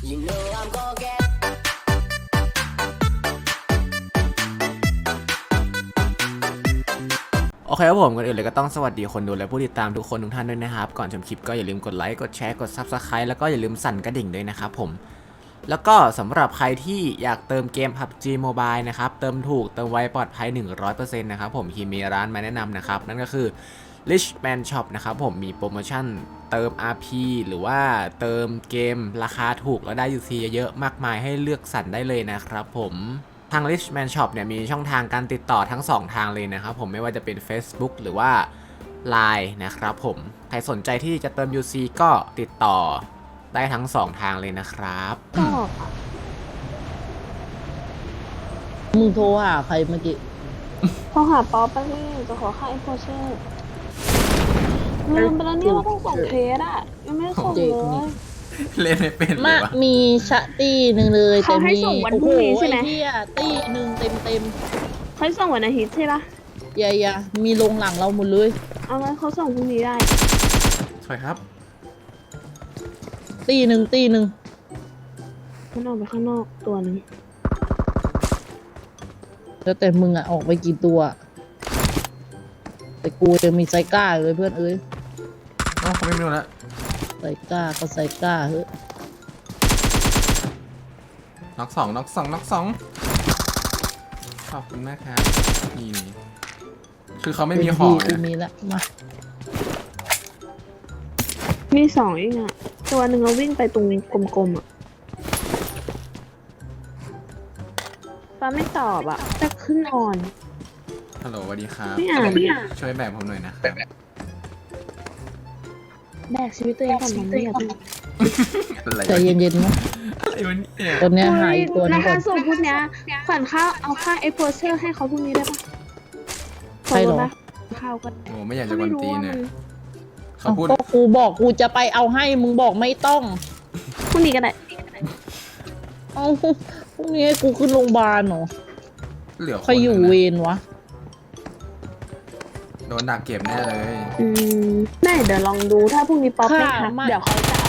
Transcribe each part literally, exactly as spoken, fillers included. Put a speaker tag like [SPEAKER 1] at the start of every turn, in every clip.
[SPEAKER 1] You know I'm gonna get โอเคครับผมก่อนอื่นเลยก็ต้องสวัสดีคนดูและผู้ติดตามทุกคนทุกท่านด้วยนะครับก่อนชมคลิปก็อย่าลืมกดไลค์กดแชร์กด ซับสไครบ์ แล้วก็อย่าลืมสั่นกระดิ่งด้วยนะครับผมแล้วก็สำหรับใครที่อยากเติมเกม พับจี Mobile นะครับเติมถูกเติมไวปลอดภัย หนึ่งร้อยเปอร์เซ็นต์ นะครับผมที่มีร้านมาแนะนำนะครับนั่นก็คือ Richman Shop นะครับผมมีโปรโมชั่นเติม อาร์ พี หรือว่าเติมเกมราคาถูกแล้วได้ ยู ซี เยอะมากมายให้เลือกสรรได้เลยนะครับผมทาง Richman Shop เนี่ยมีช่องทางการติดต่อทั้งสองทางเลยนะครับผมไม่ว่าจะเป็น Facebook หรือว่า ไลน์ นะครับผมใครสนใจที่จะเติม ยู ซี ก็ติดต่อได้ทั้งสองทางเลยนะครับ
[SPEAKER 2] ก็มึงโทรหาใครเมื่อกี้
[SPEAKER 3] โทรหาป๊อปไปนี่จะขอค่าเอ็กโพเชอร์ลืมไปแล้วเนี่ยว่าต้องส่งเคสอ่ะยังไม่ได้ส่งเลย
[SPEAKER 1] เล่นไม่เป็นเลยวะ
[SPEAKER 2] มีชะตี้หนึ่งเลย
[SPEAKER 3] เขาให้ส่งวันพรุ่งนี้ใช่ไหม
[SPEAKER 2] เที่ยตี้หนึ่งเต็มเต็ม
[SPEAKER 3] เขาส่งวันอาทิตย์ใช่ปะ
[SPEAKER 2] อย่าอย่ามีลงหลังเราหมดเลย
[SPEAKER 3] เอางั้นเขาส่งพรุ่งนี้ได้
[SPEAKER 1] ใช่ครับ
[SPEAKER 2] ตี้หนึ่งตี้หนึ่ง
[SPEAKER 3] มันออกไปข้างนอกตัวหนึ่ง
[SPEAKER 2] แล้วแต่มึงอะออกไปกี่ตัวแต่กูจะมีไซก้าเลยเพื่อนเอ้ย
[SPEAKER 1] อ๋อเขาไม่รู้แล้ว
[SPEAKER 2] ไซก้าก็ไซก้าเฮ้ย
[SPEAKER 1] น็อกสองน็อกสองน็อกสองขอบคุณมากครับนี่คือเขาไม่มีของ
[SPEAKER 2] นะมีแล้วมา
[SPEAKER 3] มีสองเองอ่ะตัวหนึ่งเราวิ่งไปตรงกลมๆอ่ะฟ้าไม่ตอบอ่ะจะขึ้นนอน
[SPEAKER 1] ฮัลโหลสวัสดีครับ
[SPEAKER 3] ไม่อ่าน
[SPEAKER 1] ช่วยแบกผมหน่อยนะ
[SPEAKER 3] แบกชีวิตตัวเองก่อนมันไม่อยาก
[SPEAKER 2] ใจเย็นๆนะ
[SPEAKER 1] อะไรวะเนี่ย
[SPEAKER 2] ตัวเนี้ยหายตัวนึงก่อน
[SPEAKER 3] ราคาส่งพวกเนี้ยขวัญข้าวเอาค่าเอ็กโพเชอร์ให้เขาพรุ่งนี้ได้ปะ
[SPEAKER 2] ใช่หรอ
[SPEAKER 3] ข้าวก็
[SPEAKER 1] โอ้ไม่อยากจะกวนตีนเนี่ยเขาพูด
[SPEAKER 2] ก็กูบอกกูจะไปเอาให้มึงบอกไม่ต้อง
[SPEAKER 3] พรุ่งนี้ก็ได้
[SPEAKER 2] เอาพรุ่งนี้ให้กูขึ้นโรงพยาบาลเหรอ
[SPEAKER 1] เหลือ
[SPEAKER 2] ใครอยู่เวรวะ
[SPEAKER 1] โดนดักเก็บแน่เลย
[SPEAKER 3] อืมแม่เดี๋ยวลองดูถ้าพรุ่งนี้ป๊อปไม่ทักเดี๋ยวเขาจะเอา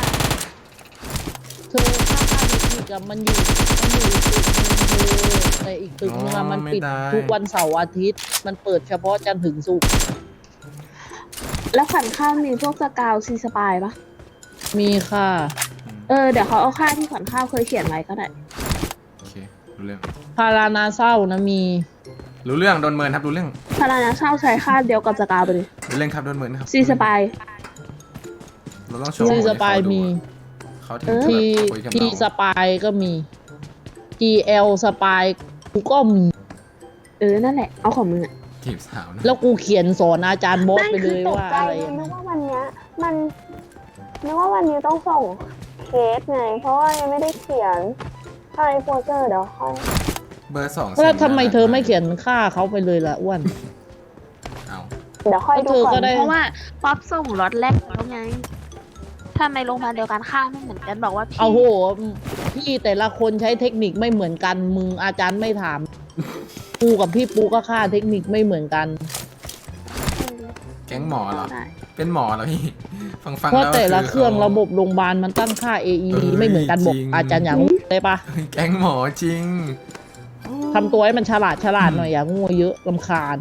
[SPEAKER 2] เธอค่าค่าเทคนิคอะมันอยู่มันอยู่ตึกนึงเธอแต่อีกตึกนึงอะมันปิดทุกวันเสาร์อาทิตย์มันเปิดเฉพาะจันทร์ถึงศุกร์
[SPEAKER 3] แล้วขันข้าวมีพวกสกาวซีสปายปะ
[SPEAKER 2] มีค่ะ
[SPEAKER 3] เออเดี๋ยวเขาเอาค่าที่ขันข้าวเคยเขียนไว้ก็ได้
[SPEAKER 1] โอเครู้เรื่อง
[SPEAKER 2] พารานาเศร้านะมี
[SPEAKER 1] รู้เรื่องโดนเมินครับรู้เรื่อง
[SPEAKER 3] พารานาเศร้าใช้ค่าเดียวกับสกาวไปเลย
[SPEAKER 1] รู้เรื่องครับโดนเมินครับ
[SPEAKER 3] ซีสปาย
[SPEAKER 1] เราต้องโชว์
[SPEAKER 2] ซีสปายมีทีทีสปายก็มีทีเอลสปายกูก็มี
[SPEAKER 3] เออนั่นแหละเอาของมึงอะ
[SPEAKER 1] ทีมสาว
[SPEAKER 2] แล้วกูเขียนสอนอาจารย์บอสไปเลยว่าอะไร
[SPEAKER 3] นึกว่าวันนี้มันนึกว่าวันนี้ต้องส่งเคสไงเพราะว่ายังไม่ได้เขียนค่าไอโฟเจอร์เดี๋ยวค่อย
[SPEAKER 1] เบอร์สอง
[SPEAKER 2] แล้วทำไมเธอไม่เขียนค่าเขาไปเลยล่ะอ้วน
[SPEAKER 1] เอา
[SPEAKER 3] เดี๋ยวค่อยดูก่อนเพราะว่าป๊อปส่งล็อตแรกแล้วไงถ้าในโรงพยาบาลเดียวกันค่าไม่เหมือนกันบอกว่าพี่
[SPEAKER 2] เอาโหพี่แต่ละคนใช้เทคนิคไม่เหมือนกันมึงอาจารย์ไม่ถามปูกับพี่ปูก็ค่าเทคนิคไม่เหมือนกัน
[SPEAKER 1] แก๊งหมอเหรอเป็นหมอเหรอพี่ฟังฟัง
[SPEAKER 2] เพราะแต่ละเครื่องระบบโรงพยาบาลมันตั้งค่า เอ อี ไม่เหมือนกันบอกอาจารย์อย่างรู้ได้ปะ
[SPEAKER 1] แก๊งหมอจริง
[SPEAKER 2] ทำตัวให้มันฉลาดฉลาดหน่อยอย่างงูเยอะรำคาญ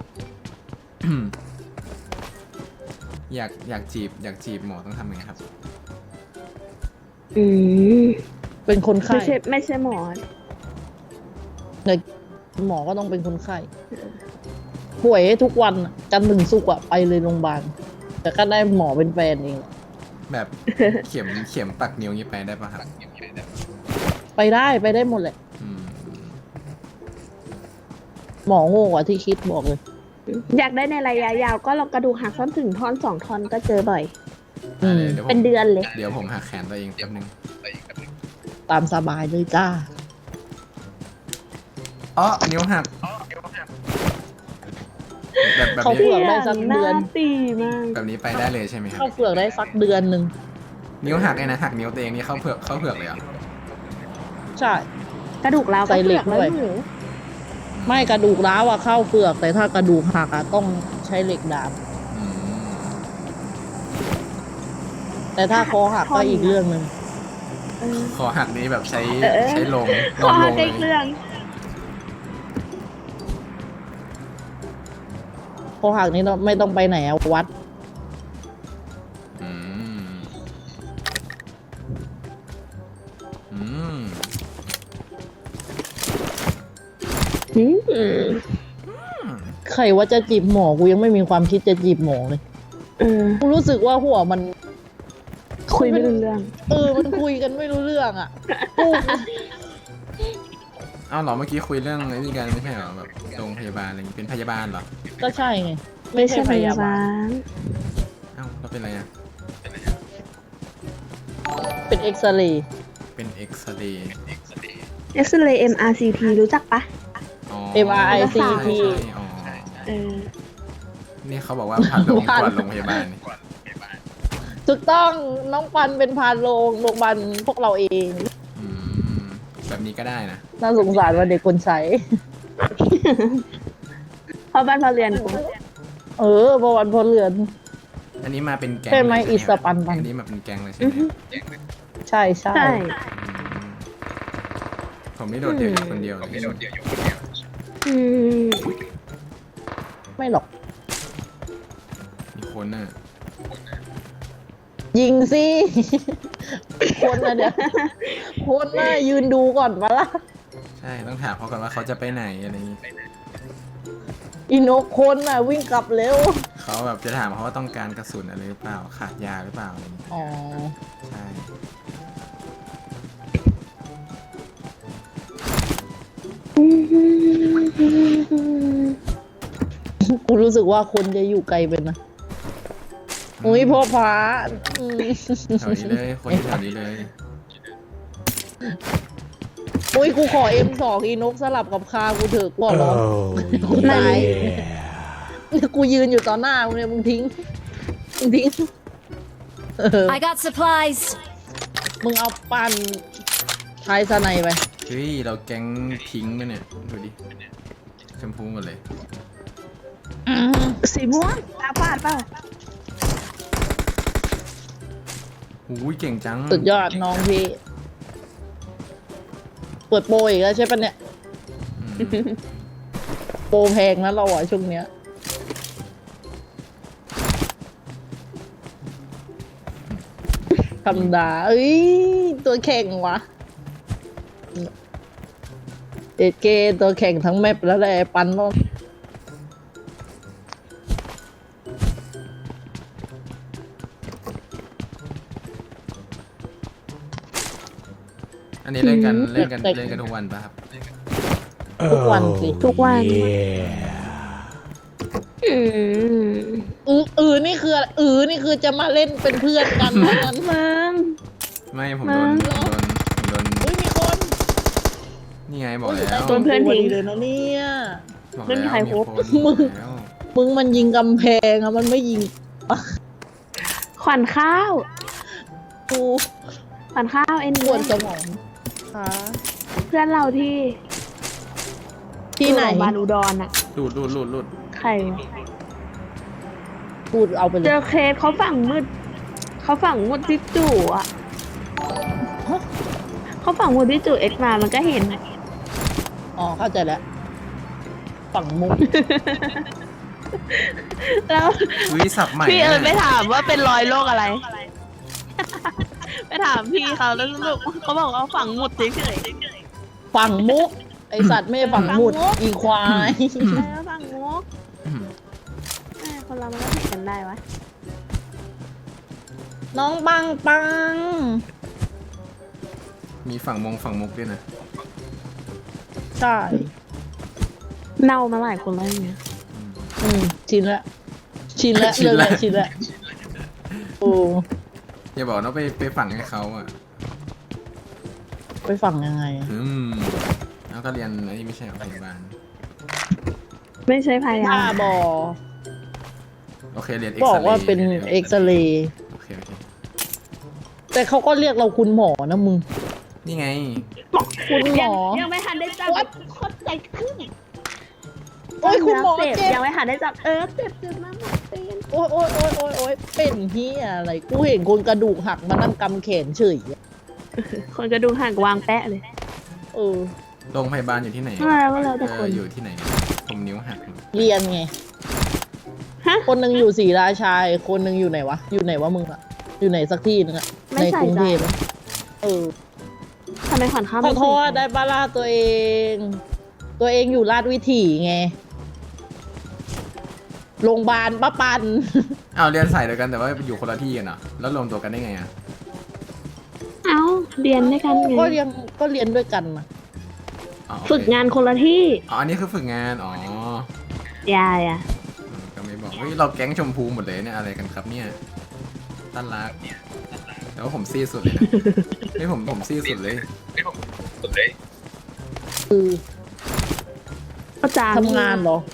[SPEAKER 1] อยากอยากจีบอยากจีบหมอต้องทำยังไงครับ
[SPEAKER 3] อืม
[SPEAKER 2] เป็นคนไข้
[SPEAKER 3] ไม่ใช่ไม่ใช่หมอ
[SPEAKER 2] เนี่ยหมอก็ต้องเป็นคนไข้ป่วยทุกวันจันทร์ถึงศุกร์อะไปเลยโรงพยาบาลแต่ก็ได้หมอเป็นแฟนเอง
[SPEAKER 1] แบบเข็มเข็มปักนิ้วงี้ไปได้ปะครับ
[SPEAKER 2] ไปได้ไปได้หมดแหละหมอโง่กว่าที่คิดบอกเลย
[SPEAKER 3] อยากได้ในระยะยาวก็ลองกระดูกหักท่อนถึงท่อนสองท่อนก็เจอบ่อย
[SPEAKER 1] เป็น
[SPEAKER 3] เดือนเลย
[SPEAKER 1] เดี๋ยวผมหักแขนตัวเองแป๊บนึง
[SPEAKER 2] ตามสบายเลยจ้า
[SPEAKER 1] อ๋อนิ้วหัก
[SPEAKER 2] แบบแบบเขาเฟือกได้สักเดือน
[SPEAKER 3] ตีมาก
[SPEAKER 1] แบบนี้ไปได้เลยใช่ไหมครับ
[SPEAKER 2] เขาเฟือกได้สักเดือนหนึ่ง
[SPEAKER 1] นิ้วหักไงนะหักนิ้วตัวเองนี่เข้าเฟือกเข้าเฟือกเลยอ่ะ
[SPEAKER 2] ใช่
[SPEAKER 3] กระดูกร้าว
[SPEAKER 2] ใส่เหล็กด้วยไม่กระดูกร้าวอะเข้าเฟือกแต่ถ้ากระดูกหักอะต้องใช้เหล็กดามแต่ถ้าคอหักก็อีกเรื่องหนึ่ง
[SPEAKER 3] เออ
[SPEAKER 1] คอหักนี้แบบใช้
[SPEAKER 3] เออ
[SPEAKER 1] ใช้ลง
[SPEAKER 3] ขอ
[SPEAKER 1] ล
[SPEAKER 3] ให้
[SPEAKER 1] ง
[SPEAKER 3] ใก
[SPEAKER 1] เล
[SPEAKER 3] ล้
[SPEAKER 1] ย
[SPEAKER 3] เครื่อง
[SPEAKER 2] พอหักนี้เราไม่ต้องไปไหนอะวัด
[SPEAKER 1] อืมอืม
[SPEAKER 3] อืม
[SPEAKER 2] ใครว่าจะจีบหมอกูยังไม่มีความคิดจะจีบหมอเลย
[SPEAKER 3] เออ
[SPEAKER 2] กูรู้สึกว่าหัวมัน
[SPEAKER 3] คุยไม่รู้เรื่อง
[SPEAKER 2] เออมันคุยกันไม่รู้เรื่องอ่ะกู
[SPEAKER 1] เอ้าเหรอเมื่อกี้คุยเรื่องไอ้นี่กันไม่ใช่เหรอแบบโรงพยาบาลอะไรอย่างงี้เป็นพยาบาลเหรอ
[SPEAKER 2] ก็ใช่ไง
[SPEAKER 3] ไม่ใช่พยาบาล
[SPEAKER 1] เอ้าเราเป็นอะไรอ่ะ
[SPEAKER 2] เป็นเอ็กซเรย์
[SPEAKER 1] เป็นเอ็กซเรย์
[SPEAKER 3] เอ็กซเรย์ เอ็ม อาร์ ซี ที รู้จักปะ
[SPEAKER 1] อ๋อ
[SPEAKER 2] เอ็ม อาร์ ไอ ซี
[SPEAKER 1] ใช่
[SPEAKER 2] ที
[SPEAKER 1] ใช่อ๋อ
[SPEAKER 3] เออ
[SPEAKER 1] นี่เขาบอกว่าผ่านโรง
[SPEAKER 2] ผ่าน
[SPEAKER 1] ก่อนโรงพยาบาลนี่
[SPEAKER 2] ถูกต้องน้องปันเป็นพานโรงโรงพยาบาลพวกเราเอง
[SPEAKER 1] อืมแบบนี้ก็ได้นะ
[SPEAKER 2] น่าสงสารว่าเด็กคนใช้
[SPEAKER 3] เพราะบ้านพอเรียนกู
[SPEAKER 2] เออประวันพลเรือน
[SPEAKER 1] อันนี้มาเป็นแก๊ง
[SPEAKER 2] เป็นไหม
[SPEAKER 1] เลยใช่
[SPEAKER 2] อิสปันปัน
[SPEAKER 1] อันนี้มาเป็นแก๊งเลยใช่ไหม
[SPEAKER 2] ใช่ใช่
[SPEAKER 3] ใช่
[SPEAKER 1] อืมผมไม่โดดเดี่ยวอยู่คนเดียวเลย
[SPEAKER 3] อืม
[SPEAKER 2] ไม่หรอก
[SPEAKER 1] มีคนน่ะ
[SPEAKER 2] ยิงสิ คนนะเดี๋ยวคนน่ะยืนดูก่อนมาละ
[SPEAKER 1] ใช่ต้องถามเขาก่อนว่าเขาจะไปไหนอะไรอย่างงี้
[SPEAKER 2] อินกคนน่ะวิ่งกลับเร็ว
[SPEAKER 1] เขาแบบจะถามเขาว่าต้องการกระสุนอะไรหรือเปล่าขาดยาหรือเปล่าอะไรอย่างงี้
[SPEAKER 2] อ๋อ
[SPEAKER 1] ใช่
[SPEAKER 2] กูรู้สึกว่าคนจะอยู่ไกลไปนะอุ้ยพ่อพระอืม
[SPEAKER 1] แถวนี้เลยคนที่แถวนี้เลย
[SPEAKER 2] อุ้ยกูขอ เอ็ม สอง อีนกสลับกับคากูเถอะก่อนเหรอกูตายกูยืนอยู่ต่อหน้ามึงเนี่ยมึงทิ้งมึงทิ้งเออ
[SPEAKER 4] I got supplies.
[SPEAKER 2] มึงเอาปั่นท้ายสไนไป
[SPEAKER 1] เฮ้ยเราแก๊งพิงค์ไหมเนี่ยดูดิชมพูหมดเลย
[SPEAKER 3] สีม่วงตาฟาดเปล่า
[SPEAKER 1] หูยเก่งจัง
[SPEAKER 2] สุดยอดน้องพี่ เปิดโปรอีกแล้วใช่ปะเนี่ย
[SPEAKER 1] อืม
[SPEAKER 2] โปรแพงนะเราอ่ะช่วงเนี้ยธรรมดาเอ้ย ตัวแข่งวะเอ็ดเกตัวแข่งทั้งแมปแล้วแหละปันรอบ
[SPEAKER 1] อันนี้เล่นกันเล่นกันเล่นกันทุกวันปะครับ
[SPEAKER 2] ทุกวันสิ
[SPEAKER 3] ทุกวัน อืม
[SPEAKER 2] อืออือนี่คืออะไรอือนี่คือจะมาเล่นเป็นเพื่อนกันเท่านั้น
[SPEAKER 3] มึง
[SPEAKER 1] ไม่ผมโดน
[SPEAKER 3] มา
[SPEAKER 1] ผมโดนผมโดน
[SPEAKER 2] อุ้ยมีคน
[SPEAKER 1] นี่ไงบอกแล้ว
[SPEAKER 3] โดนเพื่อนทิ้ง
[SPEAKER 2] เลยนะเนี่ย
[SPEAKER 1] บอก
[SPEAKER 3] ไม่
[SPEAKER 1] แล้ว
[SPEAKER 3] มีใครครบ
[SPEAKER 1] คน
[SPEAKER 2] มึง
[SPEAKER 1] บอกแล้ว
[SPEAKER 2] มึงมันยิงกำแพงอะมันไม่ยิง
[SPEAKER 3] ขวัญข้าว
[SPEAKER 2] กู
[SPEAKER 3] ขวัญข้าวเอ็น
[SPEAKER 2] ปวดสมองค่ะ
[SPEAKER 3] เพื่อนเราที่
[SPEAKER 2] ที่ไหน
[SPEAKER 3] โรงพยาบาลอุดรอ่ะ
[SPEAKER 1] หลุดหลุดหลุดหลุด
[SPEAKER 3] ใครวะ
[SPEAKER 2] พูดเอาไปเล
[SPEAKER 3] เจ
[SPEAKER 2] ย
[SPEAKER 3] อเคสเขาฝั่งมืด เขาฝั่งมืดที่จู่อ่ะ เขาฝั่งมืดที่จู่เอ็กมามันก็เห็นอะ
[SPEAKER 2] อ๋อเข้าใจแล้วฝั่งมุก
[SPEAKER 3] แล้ว
[SPEAKER 1] อุ้ยสับใหม่
[SPEAKER 3] พี่เอิญไป
[SPEAKER 1] นี่ย
[SPEAKER 3] ถามว่าเป็นรอยโรคอะไร ไปถามพี่เขาแล้วสรุปเขาบอกว่าฝังหมุดเฉย
[SPEAKER 2] ฝั่งมุก ไอสัตว์ไม่ใช่ฝั่งมุด
[SPEAKER 3] ฝั่งมุก
[SPEAKER 2] อีควาย
[SPEAKER 3] ๆใช่ว่าฝังมุก
[SPEAKER 1] อืม
[SPEAKER 3] แม่คนเรามันก็ผิดกันได้วะ
[SPEAKER 2] น้องปังปัง
[SPEAKER 1] มีฝั่งมงฝั่งมุกด้วยนะ
[SPEAKER 2] ใช่
[SPEAKER 3] เน่ามาหลายคนแล้วอย่างเงี้ย
[SPEAKER 2] อืมชินละชินละ
[SPEAKER 1] ชิน
[SPEAKER 2] เรื่อง
[SPEAKER 1] ละ
[SPEAKER 2] เนี้ยชินละโอ้
[SPEAKER 1] อย่าบอกนะไปไปฝั่งให้เขาอ่ะ
[SPEAKER 2] ไปฝั่งยังไงอะ
[SPEAKER 1] อืมแล้วก็เรียนไอ้นี่ไม่ใช่เหรอพยาบาล
[SPEAKER 3] ไม่ใช่พยา
[SPEAKER 2] บ้าบอ
[SPEAKER 1] โอเคเรียน
[SPEAKER 2] บอกว่า
[SPEAKER 1] X-ray
[SPEAKER 2] เป็น
[SPEAKER 1] รีย
[SPEAKER 2] เอ็กซเรย์
[SPEAKER 1] โอเคโอเค
[SPEAKER 2] แต่เขาก็เรียกเราคุณหมอนะมึง
[SPEAKER 1] นี่ไง
[SPEAKER 2] คุณหม
[SPEAKER 3] ยัง
[SPEAKER 2] อ
[SPEAKER 3] ยังไม่ทันได้จับ
[SPEAKER 2] What?
[SPEAKER 3] โคตรใจขึ้น
[SPEAKER 2] โอ้ยคุณหมอ
[SPEAKER 3] เจ็บ
[SPEAKER 2] เจ็บ
[SPEAKER 3] ยังไม่ทันได้จับเออเจ็บเจ็บมากเตียน
[SPEAKER 2] โอ้ยโอ้ยโอ้ยโอ้ยโอ้ยเป็นเฮียอะไร กูเห็นคนกระดูกหักมานั่งกำแขนเฉยอะ
[SPEAKER 3] คนกระดูกห่างวางแปะเลย
[SPEAKER 2] เออ
[SPEAKER 1] โรงพยาบาลอยู่ที่ไหน
[SPEAKER 3] อะไรก็แล้วแต่
[SPEAKER 1] เอ
[SPEAKER 3] ค
[SPEAKER 1] อน อยู่ที่ไหนเนี่ยผมนิ้วหัก
[SPEAKER 2] เรียนไง
[SPEAKER 3] ฮะ
[SPEAKER 2] คนหนึ่งอยู่ศรีราชาอีกคนหนึ่งอยู่ไหนวะ อยู่ไหนวะมึงอะอยู่ไหนสักที่นึงอะ
[SPEAKER 3] ไม่
[SPEAKER 2] ใน
[SPEAKER 3] ใส่
[SPEAKER 2] กรุง
[SPEAKER 3] ใจ
[SPEAKER 2] เทพอะเออ
[SPEAKER 3] ทำไมขวัญข้าม
[SPEAKER 2] ขอ
[SPEAKER 3] ไม่
[SPEAKER 2] โท
[SPEAKER 3] ใส่
[SPEAKER 2] ษ
[SPEAKER 3] ใจ
[SPEAKER 2] ได้บาราตัวเอง ตัวเองอยู่ราชวิถีไง โรงพยาบาลป้าปัน
[SPEAKER 1] อ้าวเรียนสายเดียวกันแต่ว่าอยู่คนละที่กันเหรอแล้วรวมตัวกันได้ไงอ่ะ
[SPEAKER 3] เอ้าเรียนด้วยกันไง
[SPEAKER 2] ก็เรียนก็เรียนด้วยกันนะ
[SPEAKER 1] อ๋อโอเค
[SPEAKER 3] ฝึกงานคนละที่
[SPEAKER 1] อ๋ออันนี้คือฝึกงานอ๋อ
[SPEAKER 3] ยายอ่ะ
[SPEAKER 1] อืมก็ไม่บอกเฮ้ยเราแก๊งชมพูหมดเลยเนี่ยอะไรกันครับเนี่ยต้านรักแต่ว่าผมซีดสุดเลยนะเฮ้ยผมผมซีดสุดเลย
[SPEAKER 2] คือ
[SPEAKER 3] ก็จาง
[SPEAKER 2] ทำงานเหรอ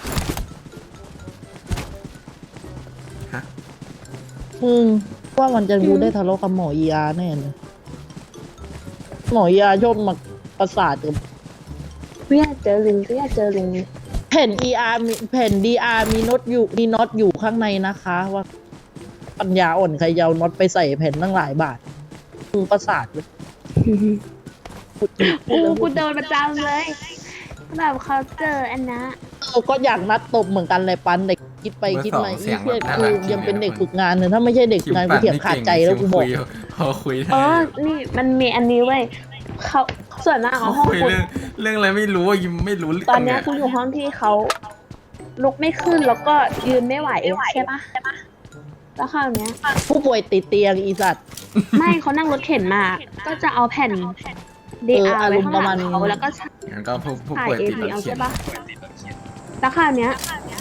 [SPEAKER 1] ฮะ
[SPEAKER 2] มึงว่าวันจันทร์กูได้ทะเลาะกับหมอเอียแน่เลยหมอเอียชอบมาประสาทกับ
[SPEAKER 3] เรียกเจอลิงเรียกเจอลิง
[SPEAKER 2] แผ่น อี อาร์ มีแผ่น ดี อาร์ มีน็อตอยู่มีน็อตอยู่ข้างในนะคะ ว่าปัญญาอ่อนใครยาวน็อตไปใส่แผ่นตั้งหลายบาทมึงประสาทเลยพูดพู
[SPEAKER 3] กู
[SPEAKER 2] ดแล้ว
[SPEAKER 3] กูโดนประจำเลยแบบเขาเจออันนะ
[SPEAKER 2] เออก็อยากนัดตบเหมือนกันเลยปันแต่คิดไปคิดมาอีเพื่อนกูยังเป็นเด็กฝึกงานเนี่ยถ้าไม่ใช่เด็กฝึกงานกูเถียงขาดใจแล้วกูบอก
[SPEAKER 1] คิวพอคุย
[SPEAKER 3] เออ นี่มันมีอันนี้เว้ยเขาส่วนมากข
[SPEAKER 1] เขา
[SPEAKER 3] องห้อง
[SPEAKER 1] คุย
[SPEAKER 3] กู
[SPEAKER 1] เรื่องเรื่องอะไรไม่รู้อะยิมไม่รู้เรื่อง
[SPEAKER 3] ตอนเนี้ย
[SPEAKER 1] ะ
[SPEAKER 3] กูอยู่ห้องที่เขาลุกไม่ขึ้นแล้วก็ยืนไม่ไหวใช่ปะแล้วคราวเนี้ย
[SPEAKER 2] ผู้ป่วยติดเตียงอีสัตว์
[SPEAKER 3] ไม่เขานั่งรถเข็นมา ก็จะเอาแผ่นดี
[SPEAKER 2] เออ
[SPEAKER 3] อาร์
[SPEAKER 2] อาร
[SPEAKER 3] ไว้
[SPEAKER 2] มณ์
[SPEAKER 3] ข้าง
[SPEAKER 2] ประ
[SPEAKER 3] ห
[SPEAKER 2] มา
[SPEAKER 3] ลั
[SPEAKER 2] ณ
[SPEAKER 3] งเขาแล้วก็
[SPEAKER 1] งั้นก็ผู้ผู้
[SPEAKER 3] ถ่าย
[SPEAKER 1] ป่วย
[SPEAKER 3] เอ
[SPEAKER 1] ติด
[SPEAKER 3] พี
[SPEAKER 1] แล้ว
[SPEAKER 3] เอา
[SPEAKER 1] เขีย
[SPEAKER 3] ใช่
[SPEAKER 1] น
[SPEAKER 3] ปะแล้วคราวเนี้ย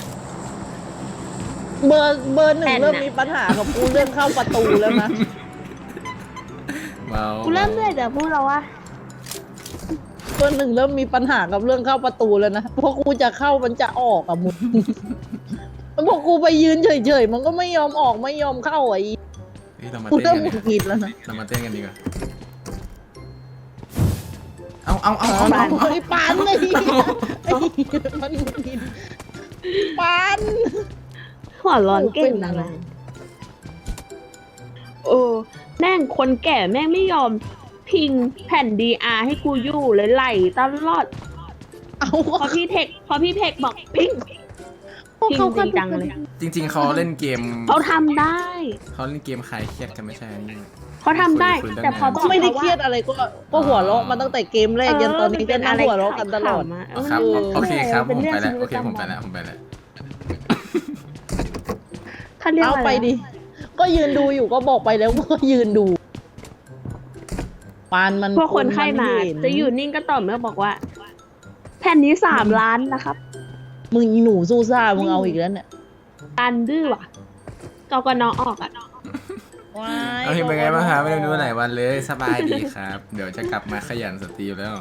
[SPEAKER 2] เบอร์เบอร์หนึ่ง
[SPEAKER 3] แผ่นน่ะ
[SPEAKER 2] เริ่มมีปัญหากับกูเรื่องเข้าประตูแล้วนะ
[SPEAKER 1] เมา
[SPEAKER 3] กูเริ่มเลยแต่พูดแล้วว่า
[SPEAKER 2] เบอร์หนึ่งเริ่มมีปัญหากับเรื่องเข้าประตูแล้วนะเพราะกูจะเข้ามันจะออกอะมึง พอกูไปยืนเฉยๆมันก็ไม่ยอมออกไม่ยอมเข้าอ่ะอี
[SPEAKER 1] เฮ้ยเรามา
[SPEAKER 2] กู
[SPEAKER 1] เต้น
[SPEAKER 2] เริ่ม
[SPEAKER 1] กัน
[SPEAKER 2] หงุ
[SPEAKER 1] ดี
[SPEAKER 2] ดหงิดแล้วนะ
[SPEAKER 1] เรามาเต้นกันดีกว่าเอาเอาเอา
[SPEAKER 2] ปา
[SPEAKER 1] เอา
[SPEAKER 2] น
[SPEAKER 1] เอา
[SPEAKER 2] ไอ้ปานเลยไอ้มันหงุดหงิดปาน
[SPEAKER 3] หัวร้อนเก่งนะนะโอ้แม่งคนแก่แม่งไม่ยอมพิงแผ่นดีอาร์ให้กูอยู่เลยไหลตลอด
[SPEAKER 2] เอา
[SPEAKER 3] พอพี่เทคพอพี่เทคบอกพิง พิงจริงจังเลย
[SPEAKER 1] จริง ๆเขาเล่นเกม
[SPEAKER 3] เขาทำได้
[SPEAKER 1] เขาเล่นเกมคลายเครียดกันไม่ใช่นี่
[SPEAKER 3] เขาทำได้
[SPEAKER 1] คุยเรื่อง
[SPEAKER 3] แต่พอ
[SPEAKER 1] นั้น
[SPEAKER 3] บอก
[SPEAKER 2] ไม่ได้
[SPEAKER 3] ขา
[SPEAKER 2] เครียดอะไรก็ก็หัวเราะมาตั้งแต่เกมแรกยันตอนนี้ก็นั่งหัวเราะกันตลอด
[SPEAKER 3] เอ
[SPEAKER 1] อ๋อ
[SPEAKER 3] อ
[SPEAKER 1] ครับ
[SPEAKER 3] มัน
[SPEAKER 1] โอเคครับผม
[SPEAKER 3] น
[SPEAKER 1] ไป
[SPEAKER 3] รื่ง
[SPEAKER 1] แล้วโอเค
[SPEAKER 3] ชีต
[SPEAKER 1] ผมไปแล้วผมไปแล้ว
[SPEAKER 3] เขาเรียก
[SPEAKER 2] เอา
[SPEAKER 3] ว่าอะ
[SPEAKER 2] ไป
[SPEAKER 3] ร
[SPEAKER 2] ดิ ก็ยืนดูอยู่ก็บอกไปแล้วก็ยืนดูปานมัน
[SPEAKER 3] พวกคนไข้มา
[SPEAKER 2] เห็น
[SPEAKER 3] จะอยู่นิ่งก็ต่อเมื่อบอกว่า แผ่นนี้สามล้านนะครับ
[SPEAKER 2] มึงอีหนูสู้ซ่ามึงเอาอีกแล้วเนี่ย
[SPEAKER 3] ตันดื้อว่ะกกนออกอ่ะ
[SPEAKER 2] ว้าย
[SPEAKER 1] เอาที่เป็นไงบ้างครับไม่ได้ดูหลายวันเลยสบายดีครับ เดี๋ยวจะกลับมาขยันสตรีมแล้ว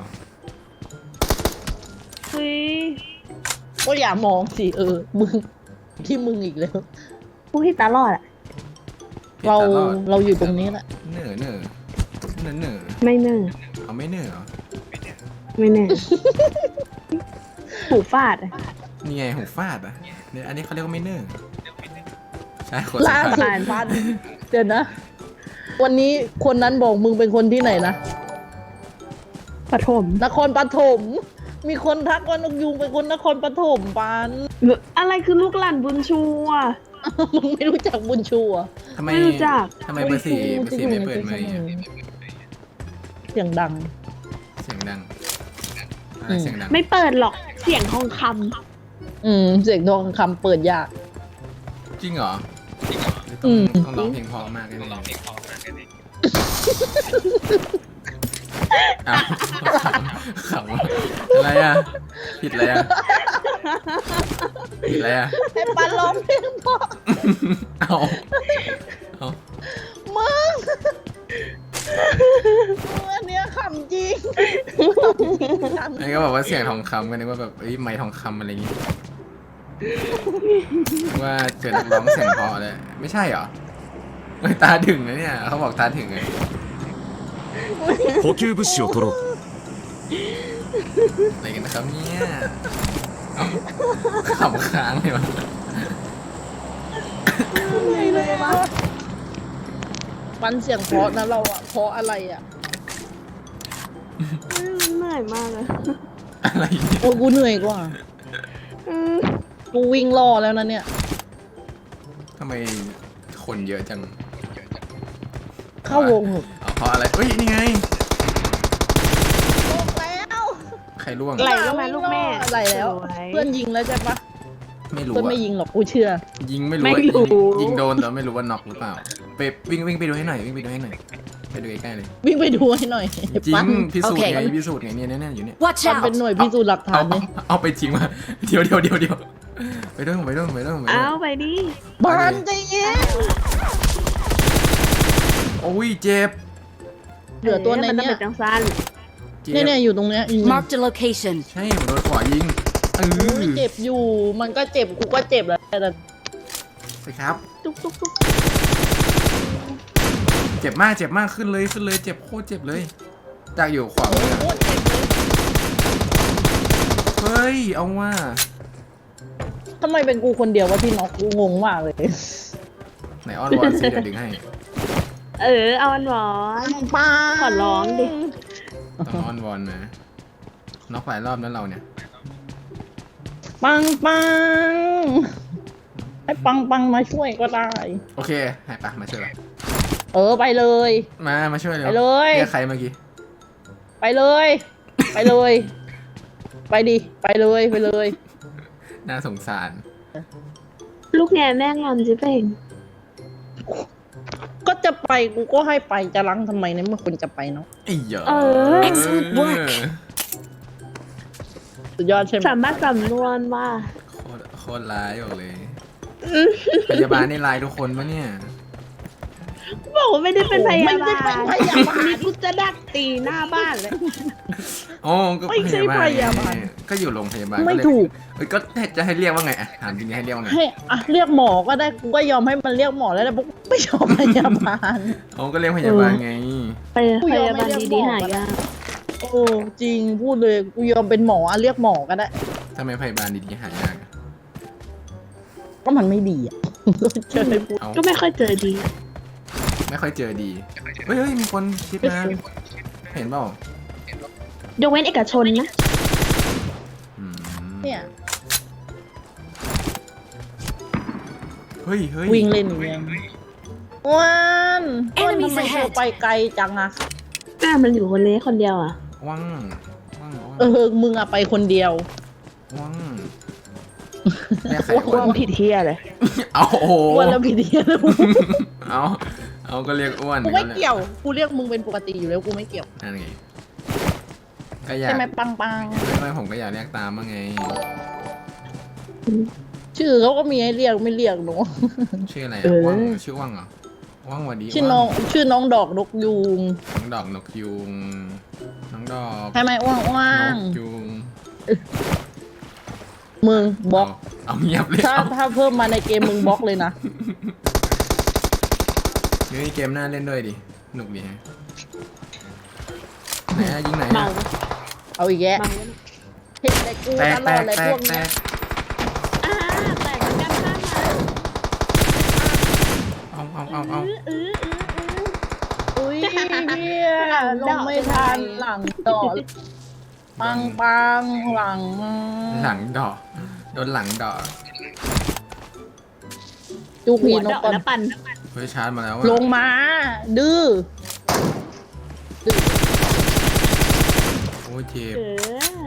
[SPEAKER 3] เฮ้ย
[SPEAKER 2] ก็อย่ามองสิเออ มึงที่มึงอีกแล้ว
[SPEAKER 3] กูที่ตลอดอ่ะ
[SPEAKER 2] เรา
[SPEAKER 1] ตลอด
[SPEAKER 2] เราอยู่ตรงนี้แหละ
[SPEAKER 1] เหนื่อยเหนื่อยเหนื่อยเหนื่อย
[SPEAKER 3] ไม่เนื่อ
[SPEAKER 1] เอาไม่เหนื่อยเหรอ
[SPEAKER 3] ไม่เนื่อ หูฟาดอะ
[SPEAKER 1] นี่ไงหูฟาดอ่ะเนี่ยอันนี้เขาเรียกว่าไม่เหนื่อยใช่คน
[SPEAKER 2] ล่า
[SPEAKER 1] สุด
[SPEAKER 2] สุ
[SPEAKER 1] ท้าย
[SPEAKER 2] ดฟันเดี๋ยวนะ วันนี้คนนั้นบอกมึงเป็นคนที่ไหนนะ
[SPEAKER 3] ปฐม
[SPEAKER 2] นครปฐมมีคนทักว่านกยูงเป็นคนนครปฐมปาน
[SPEAKER 3] อะไรคือลูกหลานบุญชูอ่ะ
[SPEAKER 2] มึงไม่รู้จักบุญชูเหรอ่ะ
[SPEAKER 1] ทำไม
[SPEAKER 3] ไม่รู้จัก
[SPEAKER 1] ทำไมเบอร์สี่เบอร์สี่ไม่เปิดไมค์อะ
[SPEAKER 2] เสียงดัง
[SPEAKER 1] เสียงดังอะไรเสียงดัง
[SPEAKER 3] ไม่เปิดหรอกเสียงทองค
[SPEAKER 2] อืมเสียงทองคำเปิดยาก
[SPEAKER 1] จริงเหรอ
[SPEAKER 2] อื
[SPEAKER 1] ต้อง
[SPEAKER 2] ม
[SPEAKER 1] ต้องร้องเพลงเพราะมากแน่ๆอ้าวขำอะไรอ่ะผิดอะไรอ่ะผิดอะไรอ่ะ
[SPEAKER 2] ไอ้ปันร้องเพลงเพราะ
[SPEAKER 1] เอาเอา
[SPEAKER 2] มึงมึงอันเนี้ยขำจริง
[SPEAKER 1] ไอ้ก็บอกว่าเสียงทองคำก็นึกว่าแบบเอ้ยไม้ทองคำอะไรอย่างงี้ว่าเจอนักร้องเสียงเพราะเลยไม่ใช่เหรอเฮ้ยตาถึงนะเนี่ยเขาบอกตาถึงเลย
[SPEAKER 4] 補給物資を取ろう
[SPEAKER 1] อะไรกันนะครับเนี่ยเอ้าขำค้างเลยวะ
[SPEAKER 2] ไม่เลยวะปันเสียงเพราะนะเราอะเพราะอะไรอะ
[SPEAKER 3] เหนื่อยมากเลย
[SPEAKER 1] อะไรเนี่ย
[SPEAKER 2] โอ้กูเหนื่อยกว่า
[SPEAKER 3] อืม
[SPEAKER 2] กูวิ่งล่อแล้วนะเนี่ย
[SPEAKER 1] ทำไมคนเยอะจัง
[SPEAKER 2] เข้าวงหก
[SPEAKER 1] เอาเพราะอะไรเอ้ยนี่ไง
[SPEAKER 2] ลงแล้ว
[SPEAKER 1] ใครล่วง
[SPEAKER 3] ไหลลงมาลูกแม่
[SPEAKER 2] ไหลแล้ว
[SPEAKER 3] สวย
[SPEAKER 2] เพื่อนยิงแล้วใช่ปะ
[SPEAKER 1] ไม่รู้
[SPEAKER 2] เพื่อน
[SPEAKER 1] อะ
[SPEAKER 2] ไม่ยิงหรอกกูเชื่อ
[SPEAKER 1] ยิงไม่รู้
[SPEAKER 3] ไม่
[SPEAKER 1] ว่า
[SPEAKER 3] รู้
[SPEAKER 1] ยิงยิงโดนแต่ไม่รู้ว่าน็อกหรือเปล่าไปวิ่งวิ่งไปดูให้หน่อยวิ่งไปดูให้หน่อยไปดูใกล้ๆเลย
[SPEAKER 2] วิ่งไปดูให้หน่อย
[SPEAKER 1] จริ
[SPEAKER 2] ปั
[SPEAKER 1] ง
[SPEAKER 2] ง
[SPEAKER 1] พิสูจน์
[SPEAKER 2] โอ
[SPEAKER 1] ไง
[SPEAKER 2] เค
[SPEAKER 1] พิสูจน์ไงเนี่ยเนี่ยอยู่เนี่ย
[SPEAKER 5] Watch
[SPEAKER 2] มันเป็น
[SPEAKER 5] out!
[SPEAKER 2] หน่วยพิสูจน์หลักฐา
[SPEAKER 1] เอา
[SPEAKER 2] นนี่
[SPEAKER 1] เอาเอาไปจริงมาเดี๋ยวเดี๋ยวเดี๋ยวเดี๋ยวไปด้วยไปด้วยไปด้วยไปด้วย
[SPEAKER 3] เอาไปดิ
[SPEAKER 2] บานใจเย็น
[SPEAKER 1] โอ้ยเจ็บ
[SPEAKER 2] เหลือตัวใน
[SPEAKER 3] มั
[SPEAKER 2] เนี้
[SPEAKER 3] ต้อย งเป็นจังซัน
[SPEAKER 1] เจ็บ
[SPEAKER 2] เนี่ยเนี่ยอยู่ตรงเนี้ยอยู่
[SPEAKER 5] Marked a location.
[SPEAKER 1] ใช่ผมโดนขวายิงเอ
[SPEAKER 2] กู
[SPEAKER 1] อ
[SPEAKER 2] เจ็บอยู่ มันก็เจ็บกูก็เจ็บแล้วแต่
[SPEAKER 1] ไปครับ
[SPEAKER 3] ตุ๊กตุ๊กตุ๊ก
[SPEAKER 1] เจ็บมากเจ็บมากขึ้นเลยขึ้นเลยเจ็บโคตรเจ็บเลย จากอยู่ขวามือ
[SPEAKER 2] โคตรเจ็บเลย
[SPEAKER 1] เฮ้ยเอาว่า
[SPEAKER 2] ทำไมเป็นกูคนเดียววะที่น็อกกูงงมากเลย
[SPEAKER 1] ไหนอ้อนวอนสิเดี๋ยวดึงให้
[SPEAKER 3] เออเอาอันหวอน
[SPEAKER 2] ป้า
[SPEAKER 3] ขอร้องดิ
[SPEAKER 1] ต้องอ้อนวอนมาน็อกหลายรอบนั้นเราเนี่ย
[SPEAKER 2] ปังปังให้ปังปังมาช่วยก็ได้
[SPEAKER 1] โอเคให้ปะมาช่วยปะ
[SPEAKER 2] เออไปเลย
[SPEAKER 1] มามาช่วยเร็ว
[SPEAKER 2] ไปเลย
[SPEAKER 1] เรียกใครเมื่อกี้
[SPEAKER 2] ไปเลย ไปเลย ไปดิไปเลยไปเลย
[SPEAKER 1] น่าสงสาร
[SPEAKER 3] ลูกแง่แม่งอนจิเป่ง
[SPEAKER 2] ก็จะไปกูก็ให้ไปจะลังทำไมในเมื่อคนจะไปเนาะ
[SPEAKER 1] ไอ้เหยอะ
[SPEAKER 3] เออ
[SPEAKER 5] Excellent work
[SPEAKER 2] สุดยอดใช่ไหม
[SPEAKER 3] สามารถสำนวนว่า
[SPEAKER 1] โคตรโคตรร้ายบอกเลยพยาบาลนี่ลายทุกคนปะเนี่ย
[SPEAKER 3] บอกว่าไม่ได้เป็นพยา
[SPEAKER 2] ไม่
[SPEAKER 3] บา
[SPEAKER 2] ได้
[SPEAKER 3] ล
[SPEAKER 2] เป็นพยาบาล
[SPEAKER 3] นี่กูจะดักตีหน้าบ้านเลย
[SPEAKER 1] อ๋อก็
[SPEAKER 2] ไม่ใช่พยาบาล
[SPEAKER 1] ไงก็อยู่โรงพยาบาล
[SPEAKER 2] ไม่
[SPEAKER 1] เลย
[SPEAKER 2] ถูก
[SPEAKER 1] เอ้ยก็จะให้เรียกว่าไงอ่ะถามจริงๆให้เรียกว่าไง
[SPEAKER 2] ให้อะเรียกหมอก็ได้กูก็ยอมให้มันเรียกหมอแล้วแต่พวกไม่ยอมพยาบาล
[SPEAKER 1] อ๋อก็เรียกพยาบาลไง
[SPEAKER 3] ไปพยาบาลดีๆหายาก
[SPEAKER 2] โอ้จริงพูดเลยกูยอมเป็นหมออะเรียกหมอก็ได้
[SPEAKER 1] ทำไมพยาบาลดีๆหายากอะ
[SPEAKER 2] ก็มันไม่ดีอ่ะ เจอพูด
[SPEAKER 1] เอา
[SPEAKER 3] ก็ไม่ค่อยเจอดี
[SPEAKER 1] ไม่ค่อยเจอดีเฮ้ยเฮ้ยมีคนคิดมาเห็นเปล่าย
[SPEAKER 3] กเว้นเอกชนนะ
[SPEAKER 1] อืม
[SPEAKER 2] เนี่ย
[SPEAKER 1] เฮ้ยเฮ้ย
[SPEAKER 2] วิ่งเล่นอย่างเงี้ยว้านอ้วน
[SPEAKER 5] Enemies
[SPEAKER 2] ทำไมเธอ
[SPEAKER 5] ahead
[SPEAKER 2] ไปไกลจังอะ
[SPEAKER 3] แม่มันอยู่คนนี้คนเดียวอ่ะ
[SPEAKER 1] ว่างว่างว่าง
[SPEAKER 2] เออมึงอะไปคนเดียว
[SPEAKER 1] ว่างเรียกใคร
[SPEAKER 2] อ้
[SPEAKER 1] อ้วน
[SPEAKER 3] ว่าผิดเที่ยเลย
[SPEAKER 1] เอาโอ้โห
[SPEAKER 2] อ้วนแล้วพี่เดียว
[SPEAKER 1] เอาเอาก็เรียกอ้วน
[SPEAKER 2] กูไม่เกี่ยวกูเรียกมึงเป็นปกติอยู่แล้วกูไม่เกี่ยว
[SPEAKER 1] นั่นไงก็อยาก
[SPEAKER 2] ใช่ไหมปังปัง
[SPEAKER 1] ไม่ไม่ผมก็อยากเรียกตามบ้างไง
[SPEAKER 2] ชื่อเขาก็มีให้เรียกไม่เรียกหนู
[SPEAKER 1] ชื่ออะไร
[SPEAKER 3] เอ
[SPEAKER 1] อะ
[SPEAKER 3] อ
[SPEAKER 1] ว่างชื่อว่างเหรอว่างหวันดี
[SPEAKER 2] ชื่อน้องชื่อน้องดอกนกยูง
[SPEAKER 1] น้องดอกนกยูงน้องดอก
[SPEAKER 2] ใช่ไหมว่างว่าง
[SPEAKER 1] นกยูง
[SPEAKER 2] มึงบล็อก
[SPEAKER 1] เอาเอาเงียบเลย
[SPEAKER 2] ถ้า
[SPEAKER 1] เอา
[SPEAKER 2] ถ้าเพิ่มมาในเกมมึงบล็อกเลยนะ
[SPEAKER 1] เฮ้ยเกมหน้าเล่นด้วยดิหนุกดีฮะไหนอะยิงไหน
[SPEAKER 3] เมา
[SPEAKER 1] อะ
[SPEAKER 2] เอาอีกแยะ
[SPEAKER 3] เมา
[SPEAKER 2] เห็นแต่กู
[SPEAKER 1] แตก
[SPEAKER 2] ต
[SPEAKER 1] แต
[SPEAKER 2] ลอด
[SPEAKER 1] ก
[SPEAKER 2] เลย
[SPEAKER 1] แต
[SPEAKER 2] พว
[SPEAKER 1] ก
[SPEAKER 2] ก
[SPEAKER 1] แต
[SPEAKER 2] เนี้ย
[SPEAKER 1] ก
[SPEAKER 3] อ่าแต่กันกันข้างมา
[SPEAKER 1] เอาเอาเอาเอา
[SPEAKER 3] อื้ออื้ออื้อ
[SPEAKER 2] อุ้ยเนี่ยลงไม่ทันหลังดอกปังปังหลัง
[SPEAKER 1] หลังดอกโดนหลังดอก
[SPEAKER 2] จู
[SPEAKER 3] หั
[SPEAKER 2] พี
[SPEAKER 3] วน ด
[SPEAKER 2] ก
[SPEAKER 3] อก
[SPEAKER 2] ก่อน
[SPEAKER 3] นะปัน
[SPEAKER 1] เฮ้ยชาร์จมาแล้วอะ
[SPEAKER 2] ลงมา ดื้อดื้อ
[SPEAKER 1] โอ้ยเจ็บ
[SPEAKER 3] เออ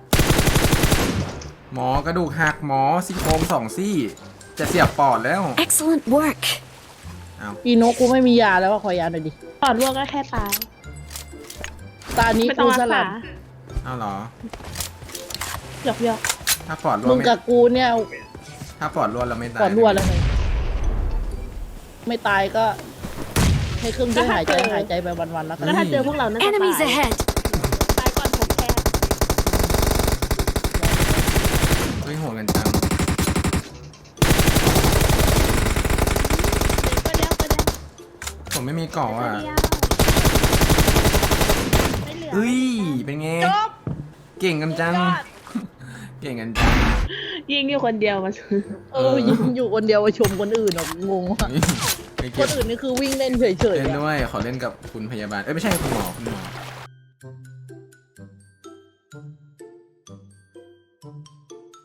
[SPEAKER 1] หมอกระดูกหักหมอซี่โครงสองซี่ จะเสียบปอดแล้ว
[SPEAKER 5] Excellent work.
[SPEAKER 1] เอา
[SPEAKER 2] พี่นกกูไม่มียาแล้วว่าขอยาหน่อยดิ
[SPEAKER 3] ปอดลวกก็แค่ตาย
[SPEAKER 2] ตานี้
[SPEAKER 3] ไม่ต้อ
[SPEAKER 2] กู
[SPEAKER 3] งรั
[SPEAKER 2] ส
[SPEAKER 3] ก
[SPEAKER 2] ลั
[SPEAKER 3] ษา
[SPEAKER 2] บ
[SPEAKER 1] เอาเหรอ
[SPEAKER 3] หยอกหยอก
[SPEAKER 1] ถ้าปอดรั่ว
[SPEAKER 2] มึง
[SPEAKER 1] ไม่
[SPEAKER 2] กับกูเนี่ย
[SPEAKER 1] ถ้าปอดรั่วเราไม่ตาย
[SPEAKER 2] ปอดรั่วแล้วไงไม่ตายก็ ให้เครื่องช่วยหายใจหายใจไปวันๆแล้วกัน
[SPEAKER 3] แล้วถ้าเจอพวกเราน่าจะตาย
[SPEAKER 5] Enemies ahead.
[SPEAKER 3] ตายก่อนผมแพ้
[SPEAKER 1] เฮ้ยโหดกันจัง
[SPEAKER 3] ก็เลี้ยวก็เลี้ยว
[SPEAKER 1] ผมไม่มีเกาะอ่ะ
[SPEAKER 3] ไม่เหลือ
[SPEAKER 1] เฮ้ย เป็นไง
[SPEAKER 2] จบ
[SPEAKER 1] เก่งกันจัง เก่งกันจัง
[SPEAKER 3] ยิงอยู่คนเดียวมา
[SPEAKER 2] เออยิงอยู่คนเดียวไปชมคนอื่นหรอกงงว่ะ
[SPEAKER 1] ไม่
[SPEAKER 2] ค
[SPEAKER 1] เก็บ
[SPEAKER 2] นอื่นนี่คือวิ่งเล่นเฉยๆ
[SPEAKER 1] เล่น
[SPEAKER 2] อะ
[SPEAKER 1] ด้วย ขอเล่นกับคุณพยาบาล เอ้ยไม่ใช่คุณหมอคุณหมอ
[SPEAKER 6] you